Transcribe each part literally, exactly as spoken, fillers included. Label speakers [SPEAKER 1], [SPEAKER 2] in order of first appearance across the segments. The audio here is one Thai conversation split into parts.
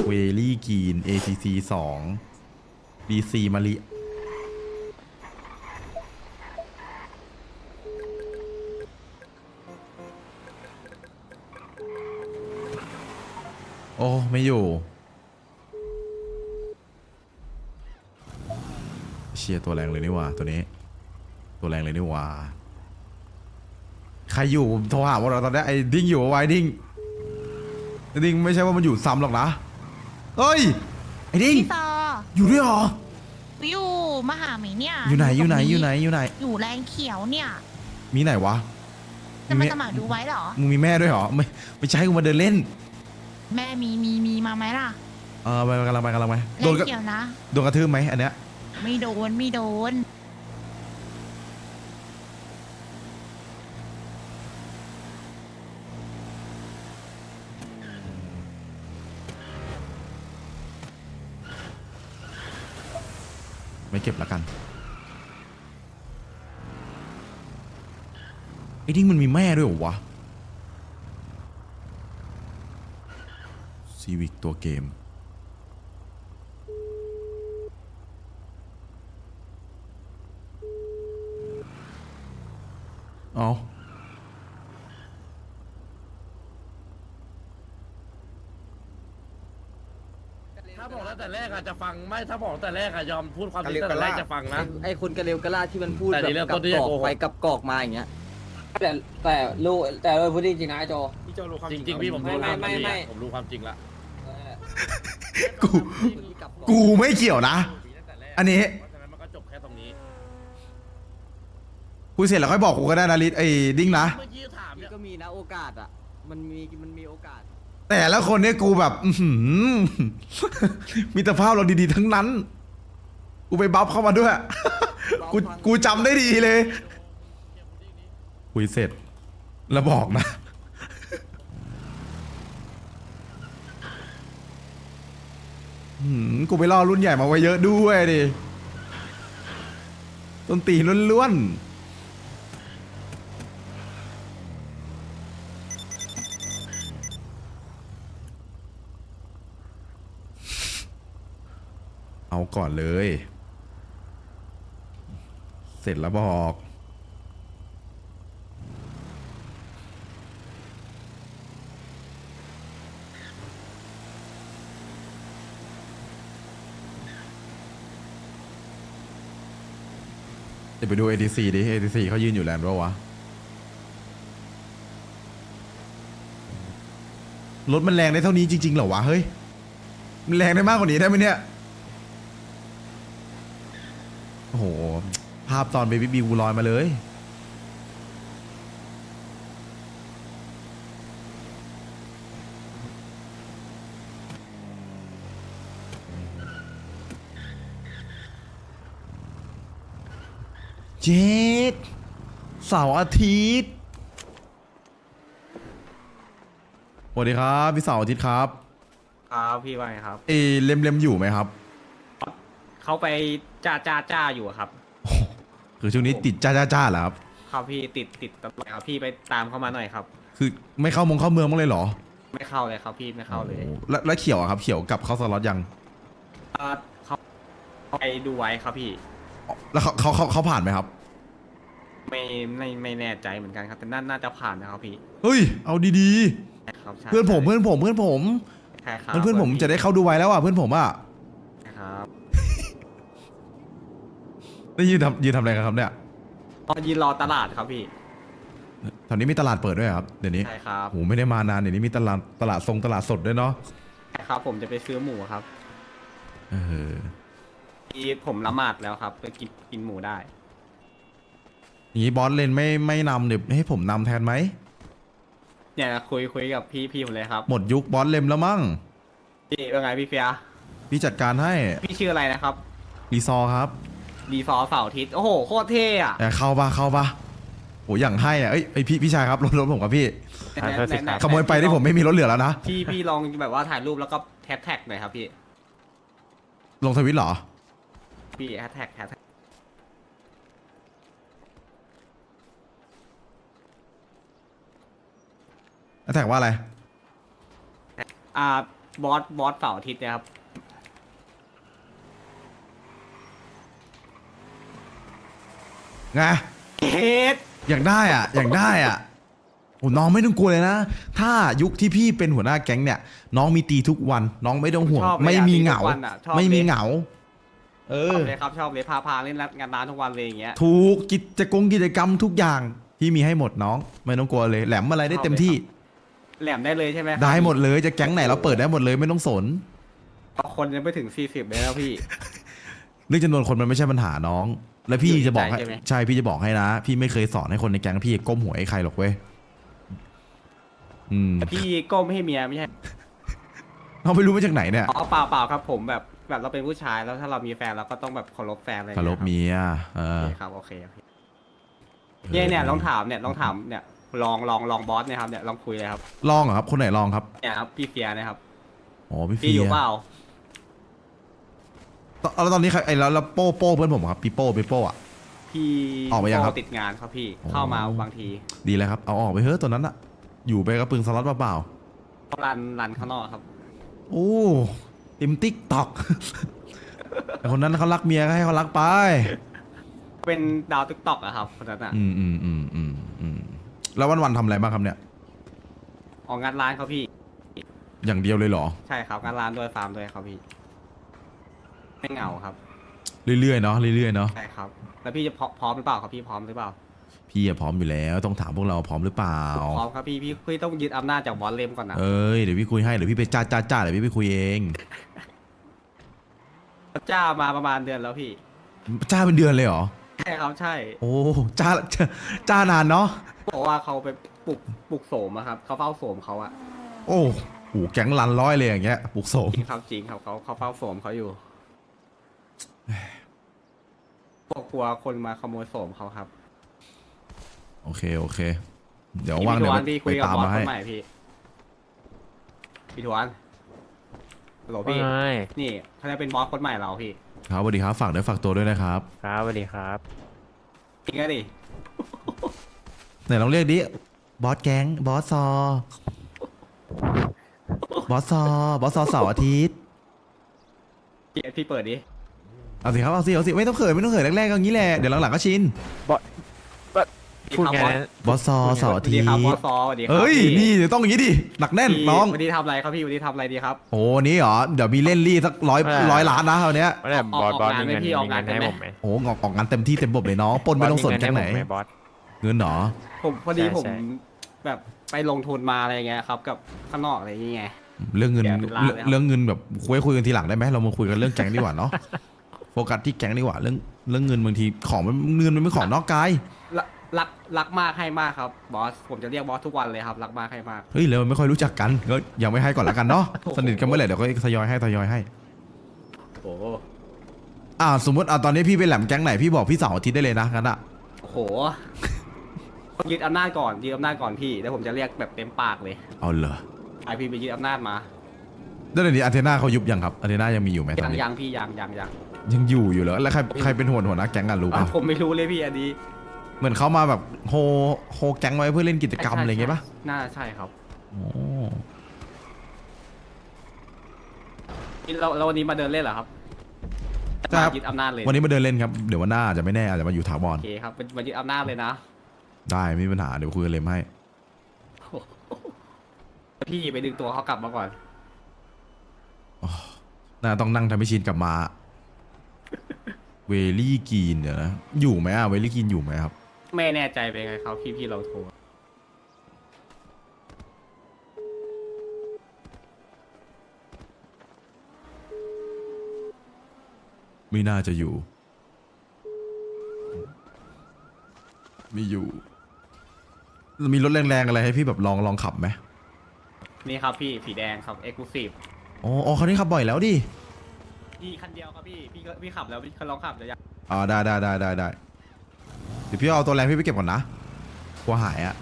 [SPEAKER 1] เวลี่กีน เอ ที ซี สอง บี ซี มาริโอ้ไม่อยู่เชียร์ตัวแรงเลยนี่หว่าตัวนี้ตัวแรงเลยนี่หว่าใครอยู่โทรหาว่าเราตอนนี้ไอ้ดิ้งอยู่ไว้ดิ้งไอ้ดิ้งไม่ใช่ว่ามันอยู่ซ้ำหรอกนะเฮ้ยไอ้ดิ้ง
[SPEAKER 2] พี่ต่อ
[SPEAKER 1] อยู่ด้วยเหรอ
[SPEAKER 2] อยู่มาหาไหมเนี่ย
[SPEAKER 1] อยู่ไหนอยู่ไหน
[SPEAKER 2] ตรง
[SPEAKER 1] อยู่ไหนอยู่ไหน
[SPEAKER 2] อยู่แรงเขียวเนี่ย
[SPEAKER 1] มีไหนวะ
[SPEAKER 2] จะมาสมัครดูไว้เหรอ
[SPEAKER 1] มึงมีแม่ด้วยเหรอไม่ไม่ใช่กูมาเดินเล่น
[SPEAKER 2] แม่มีมีมีมาไหมล่ะ
[SPEAKER 1] เออไปกำลังไปกำลังไป
[SPEAKER 2] แร
[SPEAKER 1] โด
[SPEAKER 2] ง
[SPEAKER 1] นกระ
[SPEAKER 2] เขียวนะ
[SPEAKER 1] โดนกระทืบไหมอันเนี้ย
[SPEAKER 2] ไม่โดนไม่โดน
[SPEAKER 1] ไม่เก็บละกันไอ้ดิ้งมันมีแม่ด้วยเหรอวะซีวิกตัวเกมเอา
[SPEAKER 3] ถ้าบอกตั้งแต่แรกอะจะฟังไม่ถ้าบอกตั้งแต่แรกอะยอมพูดความจริงตั้งแต่แรกจะฟังนะ
[SPEAKER 4] ไอ้คนกระเลวกระลาดที่มันพูด
[SPEAKER 3] แต่
[SPEAKER 4] แบ
[SPEAKER 3] นี่
[SPEAKER 4] บ
[SPEAKER 3] เริ่ม
[SPEAKER 4] กั
[SPEAKER 3] ต้
[SPEAKER 4] บ
[SPEAKER 3] นที่
[SPEAKER 4] ก
[SPEAKER 3] จะ
[SPEAKER 4] อก
[SPEAKER 3] โกหก
[SPEAKER 4] ไปกับกอกมาอย่างเงี้ย
[SPEAKER 5] แต่แต่รู้แต่เราพูดจริงๆนะไอ้โจ
[SPEAKER 3] พี่โจรู้ความจริงๆพี่ผมรู้ความจริงละผมรู้ความจริงละ
[SPEAKER 1] กูกูไม่เกี่ยวนะ อันนี้
[SPEAKER 3] เพราะฉะนั้นมันก็จบแค่ตรงนี้
[SPEAKER 1] คุยเสร็จแล้วค่อยบอกกูก็ได้นะลิศไอ้ดิ้งนะ
[SPEAKER 3] เมื่อกี้ถาม
[SPEAKER 4] นี่
[SPEAKER 3] เนี่ย
[SPEAKER 4] ก็มีนะโอกาสอ่ะมันมีมันมีโอกาส
[SPEAKER 1] แต่ละคนเนี่ยกูแบบ อื้อหือ มีแต่ภาพเราดีๆทั้งนั้น กูไปบัฟเข้ามาด้วย กูกูจำได้ดีเลย คุยเสร็จ แล้วบอกนะ หืมกูไปล่อรุ่นใหญ่มาไว้เยอะด้วยดิต้นตีล้วนๆ เอาก่อนเลย เสร็จแล้วบอก เดี๋ยวไปดู เอ ที ซี ดิ เอ ที ซี เขายืนอยู่แลนด์ปะวะ รถมันแรงได้เท่านี้จริงๆเหรอวะ เฮ้ย มันแรงได้มากกว่านี้ได้ไหมเนี่ย โอ้โห ภาพตอนเบบี้บิวลอยมาเลย เจ็ดเสาร์อาทิตย์สวัสดีครับพี่เสาร์อาทิตย์ครับ
[SPEAKER 6] ครับพี่ว่าไงครับ
[SPEAKER 1] เอเล็มเล็มอยู่ไหมครับ
[SPEAKER 6] เขาไปจ้าจ้าจ้าอยู่อะครับ
[SPEAKER 1] โอ้โหคือช่วงนี้ติดจ้าจ้าจ้าเหรอครับ
[SPEAKER 6] ครับพี่ติดติดตลอดครับพี่ไปตามเขามาหน่อยครับ
[SPEAKER 1] คือไม่เข้ามงเข้าเมืองบ้างเลยเหรอ
[SPEAKER 6] ไม่เข้าเลยครับพี่ไม่เข้าเลย
[SPEAKER 1] โอ้โหแล้วแล้วเขียวอะครับ เขียวกลับเข้าสล็อตยัง
[SPEAKER 6] อ่าเขาไปดูไว้ครับพี่
[SPEAKER 1] แล้วเขาเขาเขาเขาผ่านไหมครับ
[SPEAKER 6] ไม่ไม่ไม่แน่ใจเหมือนกันครับ แต่น่าน่าจะผ่านนะครับพี่
[SPEAKER 1] เฮ้ย เอาดี
[SPEAKER 6] ใช่ครับใช่
[SPEAKER 1] ๆ เพื่อนผมเพื่อนผมเพื่อนผม
[SPEAKER 6] ใช่ครับ
[SPEAKER 1] เพื่อนผมจะได้เข้าดูไว้แล้วอ่ะเพื่อนผมอ่ะ
[SPEAKER 6] ใช่ครับ
[SPEAKER 1] ได้ยืนทำยืนทำอะไรกันครับเนี่ย
[SPEAKER 6] อ๋อยืนรอตลาดครับพี่
[SPEAKER 1] ตอนนี้มีตลาดเปิดด้วยเหรอครับเดี๋ยวนี้
[SPEAKER 6] ใช่ครับ
[SPEAKER 1] โหไม่ได้มานานเดี๋ยวนี้มีตลาดตลาดทรงตลาดสดด้วยเนาะ
[SPEAKER 6] ใช่ครับผมจะไปซื้อหมูครับ
[SPEAKER 1] เออ
[SPEAKER 6] ที่ผมละหมาดแล้วครับไปกินกินหมูได้
[SPEAKER 1] อย่างนี้บอสเลนไม่ไม่นำเดี๋ยวให้ผมนำแทนไหม
[SPEAKER 6] เนี่ยคุยคุยกับพี่พี่ผมเลยครับ
[SPEAKER 1] หมดยุคบอสเลนแล้วมั้ง
[SPEAKER 6] พี่เป็นไงพี่เฟีย
[SPEAKER 1] พี่จัดการให้
[SPEAKER 6] พี่ชื่ออะไรนะครับ
[SPEAKER 1] รีซอร์ครับ
[SPEAKER 6] ดีฟอร์เสาร์อาทิตย์โอ้โหโคตรเท่อะ
[SPEAKER 1] แต่เข้าปะเข้าปะโหอย่างให้อ่ะเอ้ยไอยพี่พี่ชายครับรถรถผมครับพี่
[SPEAKER 6] ไหนไหนไหน
[SPEAKER 1] ขโมยไปที่ผมไม่มีรถเหลือแล้วนะ
[SPEAKER 6] พี่พี่ลองแบบว่าถ่ายรูปแล้วก็แฮชแท็กหน่อยครับพี่
[SPEAKER 1] ลงทวิตเหรอ
[SPEAKER 6] พี่แฮชแท็กแฮชแท็ก
[SPEAKER 1] แท็กว่าอะไร
[SPEAKER 6] อ่าบอสบอสเสาร์อาทิตย์เนะครับ
[SPEAKER 1] ไง
[SPEAKER 6] เฮ็ด
[SPEAKER 1] อยากได้อ่ะ อยากได้อ่ะโอ้น้องไม่ต้องกลัวเลยนะ ถ้ายุคที่พี่เป็นหัวหน้าแก๊งเนี่ย น้องมีตีทุกวัน น้องไม่ต้องห่วง
[SPEAKER 6] ชอบเลยอะ
[SPEAKER 1] ไม่มีเหงา
[SPEAKER 6] ตีทุกวันอะชอบ
[SPEAKER 1] ไม่มี
[SPEAKER 6] เลย
[SPEAKER 1] เหงา เอ
[SPEAKER 6] ช
[SPEAKER 1] อ
[SPEAKER 6] อบเลยครับชอบเลยพาพาเล่นงานร้านทุกวันเลยอย่างเงี้ย
[SPEAKER 1] ถูกกิจกรรมกิจกรรมทุกอย่างพี่มีให้หมดน้อง ไม่ต้องกลัวเลย แหลมอะไรได้เต็มที่
[SPEAKER 6] แหลมได้เลยใช่ไหมครับ
[SPEAKER 1] ได้หมดเลยจะแก๊งไหนเราเปิดได้หมดเลยไม่ต้องสน
[SPEAKER 6] คนยังไม่ถึงสี่สิบเลยแล้วพี่
[SPEAKER 1] เรื่องจำนวนคนมันไม่ใช่ปัญหาน้อง และพี่
[SPEAKER 6] อยู่ที่
[SPEAKER 1] จะบอกให้
[SPEAKER 6] ใจใช่ไหม
[SPEAKER 1] ใช่พี่จะบอกให้นะ พี่ไม่เคยสอนให้คนในแก๊งพี่ก้มหัวให้ใครหรอกเว้ยอืม
[SPEAKER 6] พี่ก้มให้เมียไม่ใช่
[SPEAKER 1] เราไม่รู้มาจากไหนเนี่ย
[SPEAKER 6] อ๋อเปล่าเปล่าครับผมแบบแบบเราเป็นผู้ชายแล้วถ้าเรามีแฟนเราก็ต้องแบบเคารพแฟนอะไรอย่
[SPEAKER 1] คาง ร
[SPEAKER 6] งี้
[SPEAKER 1] พ
[SPEAKER 6] ย
[SPEAKER 1] เมียเอ
[SPEAKER 6] โอ
[SPEAKER 1] อ
[SPEAKER 6] เคครับโอเคโอเคเนี่ยเนี่ยลองถามเนี่ยลองถามเนี่ยลองลองลองบอสเนี่ยครับเนี่ยลองคุยเลยครับ
[SPEAKER 1] ลองเหรอครับ คนไหนลองครับ
[SPEAKER 6] เนี่ยครับพี่เฟียนะครับ
[SPEAKER 1] อ๋อพี่
[SPEAKER 6] พี่
[SPEAKER 1] เฟี
[SPEAKER 6] อยู่
[SPEAKER 1] ย
[SPEAKER 6] เปล่า
[SPEAKER 1] ตอนแล้วตอนนี้ใครไอ้แล้วแล้วโป้โป้เพื่อนผมครับพี่โป้พี่โป้อะ
[SPEAKER 6] พี่
[SPEAKER 1] ออกไปยังครับ
[SPEAKER 6] ติดงานครับพี่
[SPEAKER 1] อ๋อ
[SPEAKER 6] เข้ามาบางที
[SPEAKER 1] ดีแล้วครับเอาออกไปเฮ้ยตัวนั้นอะอยู่ไปกระปึงสล็อตเปล่า
[SPEAKER 6] รันรันข้างนอกครับ
[SPEAKER 1] ๆโอ้เต็มติ๊กตอก แต่คนนั้นเขารักเมียก็ให้เขารักไป
[SPEAKER 6] เป็นดาวติ๊กต็อกอะครับคนนั้นอะ
[SPEAKER 1] อืมอืมอืมอืมอืมแล้ววันวันๆทำอะไรบ้างครับเนี่ย
[SPEAKER 6] ออกงานร้านครับพี่
[SPEAKER 1] อย่างเดียวเลยเหรอ
[SPEAKER 6] ใช่ครับงานร้านด้วยฟาร์มด้วยครับพี่ไม่เหงาครับ
[SPEAKER 1] เรื่อยๆเนาะเรื่อยๆเนาะ
[SPEAKER 6] ใช่ครับ แล้วพี่จะพร้อมพร้อมหรือเปล่าครับพี่พร้อมหรือเปล่า
[SPEAKER 1] พี่อะพร้อมอยู่แล้วต้องถามพวกเราพร้อมหรือเปล่า
[SPEAKER 6] พร้อมครับพี่พี่พี่ต้องยึดอำนาจจากบอสเลมก่อนนะ
[SPEAKER 1] เอ้ยเดี๋ยวพี่คุยให้เดี๋ยวพี่ไปจ้าจ้าจ้าเดี๋ยวพี่ไปคุยเอง
[SPEAKER 6] จ้ามาประมาณเดือนแล้วพี่
[SPEAKER 1] จ้าเป็นเดือนเลยเหรอ
[SPEAKER 6] ใช่ครับใช่
[SPEAKER 1] โอ้จ้าจ้าจ้านานเนาะ
[SPEAKER 6] บอกว่าเขาไปปลุกปลุกโสมอะครับเขาเฝ้าโสมเขาอะ
[SPEAKER 1] โอ้โหแก๊งลันร้อยเลยอย่างเงี้ยปลุกโสม
[SPEAKER 6] จริงครับจริงครับเขาเขาเฝ้าโสมเขาอยู่บอกกลัวคนมาขโมยโสมเขาครับ
[SPEAKER 1] โอเคโอเค เดี๋ยวว่างเดี๋ยว
[SPEAKER 6] พี่
[SPEAKER 1] ไป
[SPEAKER 6] คุยกับ
[SPEAKER 1] ตาม
[SPEAKER 6] บอส
[SPEAKER 1] มา
[SPEAKER 6] ค
[SPEAKER 1] ให้
[SPEAKER 6] นใหม่พี่พี่ทวนฮัลโหลพี่
[SPEAKER 7] ไม่
[SPEAKER 6] นี่เขาจะเป็นบอสคนใหม่เราพี่
[SPEAKER 1] ครับสวัสดีครับฝากด้วยฝากตัวด้วยนะครับ
[SPEAKER 7] ครับสวัสดีครับ
[SPEAKER 6] จริงก็ดิ
[SPEAKER 1] ไหนลองเรียกดิบอสแก๊งบอสซอบอสซอบอสซอเสาร์อาทิตย์
[SPEAKER 6] พี่พี่เปิดดิ
[SPEAKER 1] เอาสิครับเอาสิเอาสิไม่ต้องเขินไม่ต้องเขินแรกๆก็อย่างนี้แหละเดี๋ยวหลังๆก็ชิน
[SPEAKER 7] พูดไงนะ
[SPEAKER 1] บอสซอเสาร์อา
[SPEAKER 6] สวัส
[SPEAKER 1] ทิ
[SPEAKER 6] ดี
[SPEAKER 1] ต
[SPEAKER 6] ครับบอส
[SPEAKER 1] ย์
[SPEAKER 6] ซอสวัสดีครั
[SPEAKER 1] เอ้ย
[SPEAKER 6] พี่
[SPEAKER 1] นี่เดี๋ยวต้องอย่างนี้ดิหนักแน่น
[SPEAKER 6] พี่
[SPEAKER 1] น้อง
[SPEAKER 6] วันนี้ทำอะไรครับพี่วันนี้ทำอะไรดีครับ
[SPEAKER 1] โอ้วันนี้เหรอเดี๋ยวมีเล่นรี่สักร้อยร้อยล้านนะคราวเนี้ย
[SPEAKER 7] ว่าแต่
[SPEAKER 6] ออก
[SPEAKER 7] บอสบอส
[SPEAKER 6] ออกงาน
[SPEAKER 7] มีเงิน
[SPEAKER 6] ไหมพี่ออก
[SPEAKER 7] มี
[SPEAKER 6] งาน
[SPEAKER 7] เงินให้
[SPEAKER 6] ได้ไหม
[SPEAKER 7] ผมไหม
[SPEAKER 1] โอ้ออกออกงานเต็มที่เต็มบบเลยน้องปนไม่ต้องสนแก๊งไหน
[SPEAKER 7] บอสมีเงิให้ผมมบอส
[SPEAKER 1] เงินเหรอ
[SPEAKER 6] ผมพอดี
[SPEAKER 7] ใช่
[SPEAKER 6] ผม
[SPEAKER 7] ใช่
[SPEAKER 6] แบบไปลงทุนมาอะไรเงี้ยครับกับข้างนอกอะไรอย่างเงี้ย
[SPEAKER 1] เรื่องเงิน
[SPEAKER 6] แกเป็นล้านเลยครับ
[SPEAKER 1] เรื่องเงินแบบคุยคุยกันทีหลังได้ไหมเรามาคุยกันเรื่องแก๊งดีกว่าเนาะโฟกัสที่แก๊งดีกว่าเรื่องเรื่องเงินบางทีของมันเงินมันไม่ของนอกกาย
[SPEAKER 6] รักรักรักมากให้มากครับบอสผมจะเรียกบอสทุกวันเลยครับรักมากให้มาก
[SPEAKER 1] เฮ้ยแล้วมันไม่ค่อยรู้จักกันก็ยังไม่ให้ก่อนละกันเนาะ
[SPEAKER 6] โอ้โห
[SPEAKER 1] สนิทกันเมื่อไหร่เดี๋ยวก็ทยอยให้ทยอยให้
[SPEAKER 6] โอ้โห
[SPEAKER 1] อ่าสมมติอ่าตอนนี้พี่เป็นแหลมแก๊งไหนพี่บอกพี่เสาวอาทิตย์ได้เลยนะงั้นอะ
[SPEAKER 6] โอ้โหยึดอำนาจก่อนยึดอำนาจก่อนพี่แล้วผมจะเรียกแบบเต็มปากเลย
[SPEAKER 1] เอาเหรอ
[SPEAKER 6] ไอพี่ไปยึดอำนาจมา
[SPEAKER 1] แล้วเดี๋ยวนี้อาเทนาเขายุบยังครับอาเทนายังมีอยู่ไหมตอ
[SPEAKER 6] ยั
[SPEAKER 1] น
[SPEAKER 6] ง
[SPEAKER 1] นี้
[SPEAKER 6] ยังพี่ยังยังยัง
[SPEAKER 1] ยังอยู่อยู่เหรอแล้วใครใครเป็นหัวหัวหน้าแก๊งกันรู้ป่ะ
[SPEAKER 6] ผมไม่รู้เลยพี่อันนี้
[SPEAKER 1] เหมือนเขามาแบบโฮโฮแก๊งไว้เพื่อเล่นกิจกรรมอะไรอย่างเงี้ยป่ะ
[SPEAKER 6] น่าใช่ครับ
[SPEAKER 1] โอ้
[SPEAKER 6] เราเราวันนี้มาเดินเล่นเหรอครับ
[SPEAKER 1] ใช่ครับ
[SPEAKER 6] มายึดอำนาจเลย
[SPEAKER 1] วันนี้มาเดินเล่นครับเดี๋ยววันหน้าอาจจะไม่แน่อาจจะมาอยู่ถาวร
[SPEAKER 6] โอเคครับเป็นมายึดอำนาจเลยนะ
[SPEAKER 1] ได้ไม่มีปัญหาเดี๋ยวคุยกันเลยให้
[SPEAKER 6] พี่ไปดึงตัวเขากลับมาก่อน
[SPEAKER 1] น่าต้องนั่งทำให้ชินกลับมา เวลี่กีนเดี๋ยวนะอยู่ไหมอ่ะเวลี่กีนอยู่ไหมครับ
[SPEAKER 6] ไม่แน่ใจเป็นไงครับพี่พี่เราโทร
[SPEAKER 1] ไม่น่าจะอยู่ ไม่อยู่ มีรถแรงๆอะไรให้พี่แบบลองลองขับไหม
[SPEAKER 6] นี่ครับพี่สีแดงครับเอ็กซ์คลูซีฟ
[SPEAKER 1] อ๋ออ๋อคันนี้ขับบ่อยแล้วดิ
[SPEAKER 6] พี่คันเดียวครับพี่พี่ก็พี่ขับแล้วพี่ลองขับเดี๋ยวอยาก
[SPEAKER 1] อ๋อได้ได้ได้ได้ได้เดี๋ยวพี่เอาตัวแรงพี่ไปเก็บก่อนนะกลัวหายอะ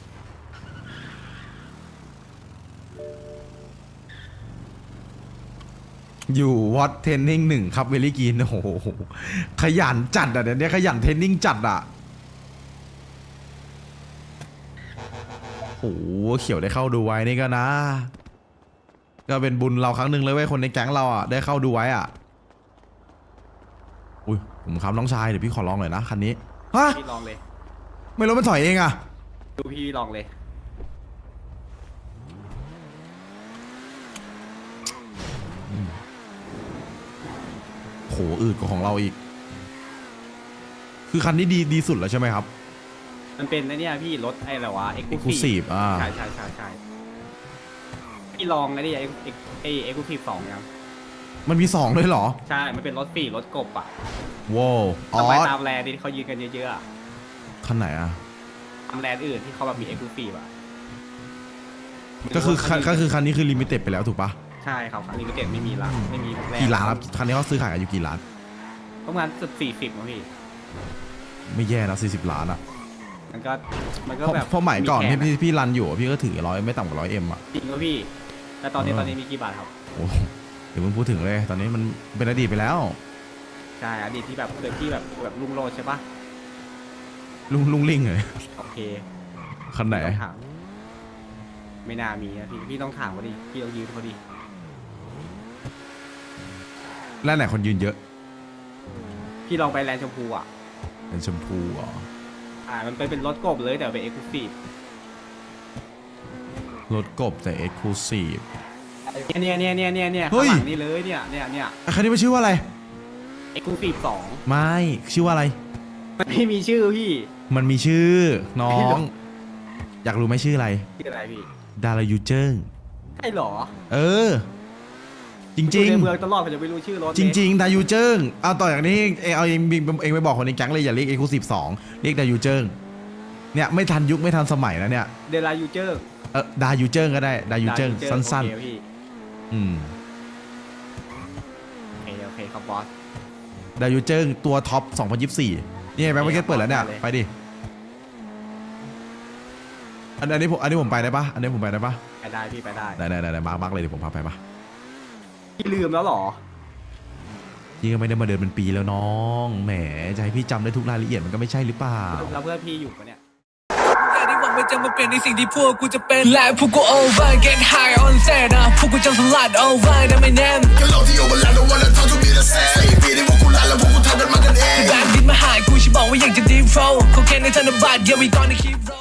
[SPEAKER 1] อยู่วอตเทรนนิ่งหนึ่งครับเวลี่กีนโอ้โหขยันจัดอ่ะเดี๋ยวนี้ขยันเทรนนิ่งจัดอ่ะโอ้โหเขียวได้เข้าดูไว้นี่ก็นะก็เป็นบุญเราครั้งหนึ่งเลยเว้ยคนในแก๊งเราอ่ะได้เข้าดูไว้อ่ะอุ้ยผมครับน้องชายเดี๋ยวพี่ขอลองหน่อยนะคันนี้ฮะ
[SPEAKER 6] พี่ลองเลย
[SPEAKER 1] ไม่รถมันถอยเองอ่ะ
[SPEAKER 6] ดูพี่ลองเลย
[SPEAKER 1] โหอืดกว่าของเราอีก คือคันนี้ดีดีสุดแล้วใช่ไหมครับ
[SPEAKER 6] มันเป็นไอ้เนี่ยพี่รถไอ้อะไรวะ
[SPEAKER 1] Exclusive อ่า
[SPEAKER 6] ใช่ใช่ใช่ใช่พี่ลองไอ้นี่ไอ้ไอ้ไอ้เอ็กซ์คลูซีฟสองยัง
[SPEAKER 1] มันมีสองด้วยเหรอ
[SPEAKER 6] ใช่มันเป็นรถปีรถกบอ่ะ
[SPEAKER 1] ว้าวอ๋อ
[SPEAKER 6] ทำไมตามแลนด์ที่เขายืนกันเยอะๆอะ
[SPEAKER 1] คันไหนอ่ะ
[SPEAKER 6] ตามแลนด์อื่นที่เขาแบบมีเอ็กซ์คลูซีฟอ่ะ
[SPEAKER 1] ก็คือคันก็คือคันนี้คือลิมิเต็ดไปแล้วถูกปะ
[SPEAKER 6] ใช่ครับคันนี้ก็เก็บไม่มีละไม่มีแลนด์
[SPEAKER 1] กี่ล้านครับคันนี้เขาซื้อขายกันอยู่กี่ล้าน
[SPEAKER 6] ประมาณสุดสี่สิบมั้งพี่
[SPEAKER 1] ไม่แย่นะสี่สิบล้านอ่ะ
[SPEAKER 6] มันก็มัน
[SPEAKER 1] เพ
[SPEAKER 6] ก็
[SPEAKER 1] ราะ
[SPEAKER 6] แบบ
[SPEAKER 1] เพราะหมายก่อน
[SPEAKER 6] แข
[SPEAKER 1] ที่พี่พี่รันอยู่อะพี่ก็ถือร้อยไม่ต่ำกว่าร้อยเอ็มอ่ะ
[SPEAKER 6] จริงก็พี่แล้วตอนนี้
[SPEAKER 1] เออ
[SPEAKER 6] ตอนนี้มีกี่บาทครับ
[SPEAKER 1] โอ้เดี๋ยวมึงพูดถึงเลย ตอนนี้มันเป็นอดีตไปแล้ว
[SPEAKER 6] ใช่อดีตที่แบบเกิดที่แบบแบบลุงโรดใช่ปะ
[SPEAKER 1] ลุงลุงลิงเลย
[SPEAKER 6] โอเค
[SPEAKER 1] คันไหน
[SPEAKER 6] ต้องถามไม่น่ามีนะพี่พี่ต้องถามเขาดิพี่ต้องยืมเขาดิ
[SPEAKER 1] แล้วไหนคนยืนเยอะ
[SPEAKER 6] พี่ลองไปแลนด์ชมพูอ่ะ
[SPEAKER 1] เป็นชมพูเหรอ
[SPEAKER 6] อ่ามันเป็นเป็นรถกบเลยแต่เป็นเอ็กซ์คลูซีฟ
[SPEAKER 1] รถกบแต่เอ็กซ์คลูซีฟ
[SPEAKER 6] เนี่ยเนี่ยเนี่ยเนี่ยเนี่ย
[SPEAKER 1] เฮ้
[SPEAKER 6] ข้าง
[SPEAKER 1] ย
[SPEAKER 6] หลังนี่เลยเนี่ยเนี่ยเนี่ย
[SPEAKER 1] คันนี้มันชื่อว่าอะไร
[SPEAKER 6] เอ็กซ์คลูซีฟสอง
[SPEAKER 1] ไม่ชื่อว่าอะไร
[SPEAKER 6] มันไม่มีชื่อพี่
[SPEAKER 1] มันมีชื่อน้อง อยากรู้ไหมชื่ออะไร
[SPEAKER 6] ชื่ออะไรพี่
[SPEAKER 1] ดารายูเจิ้ง
[SPEAKER 6] ใช่หรอ
[SPEAKER 1] เออ จริง
[SPEAKER 6] อยู่ในเมืองตลอดผมจะไม่รู้ชื่อรถ
[SPEAKER 1] ๆ จริง ๆ ดายูเจิ้งเอาต่อจากนี้เองเอาเองเองไปบอกคนในแก๊งเลยอย่าเรียกเอ็กซ์คลูซีฟสองเรียกดายูเจิ้งเนี่ยไม่ทันยุคไม่ทันสมัยแล้วเนี่ย
[SPEAKER 6] เดลายูเจอร์
[SPEAKER 1] เออดายูเจิ้งก็ได้ดายูเจิ้งสั้น
[SPEAKER 6] โอเคพี่
[SPEAKER 1] ๆอืม
[SPEAKER 6] โอเคโอเคครับบอส
[SPEAKER 1] ดายูเจิ้งตัวท็อปสองพันยี่สิบสี่นี่ไงแบงค์มาร์เก็ตเปิดแล้วเนี่ย
[SPEAKER 6] ได้เลย
[SPEAKER 1] ไปดิอันอันนี้ผมอันนี้ผมไปได้ปะอันนี้ผมไปได้ปะ
[SPEAKER 6] ไปได้พี่ไปได้
[SPEAKER 1] ได้ได้ได้ได้มาร์คมาร์คเลยเดี๋ยวผมพาไปปะ
[SPEAKER 6] พี่ลืมแล้วเหรอ
[SPEAKER 1] ยี่ก็ไม่ได้มาเดินเป็นปีแล้วน้องแหมจะให้พี่จำได้ทุกรายละเอียดมันก็ไม่ใช่หรือเปล่า
[SPEAKER 6] แล้วเพื่อนพี่อยู่ปะเนี่ย
[SPEAKER 8] อย่าได้หวังว่าจะมาเปลี่ยนในสิ่งที่พวกกูจะเป็นและพวกกู over get high on set นะพวกกูจะสลัด over นะไม่แน่ก็โลกที่ over แล้ว don't wanna talk to me the same สี่ปีที่พวกกูลาแล้วพวกกูทำกันมากันเองแต่แบบดินมาหายกูฉันบอกว่าอยากจะ deep flow เขาแค่ในธนบัตร yeah we gonna keep roll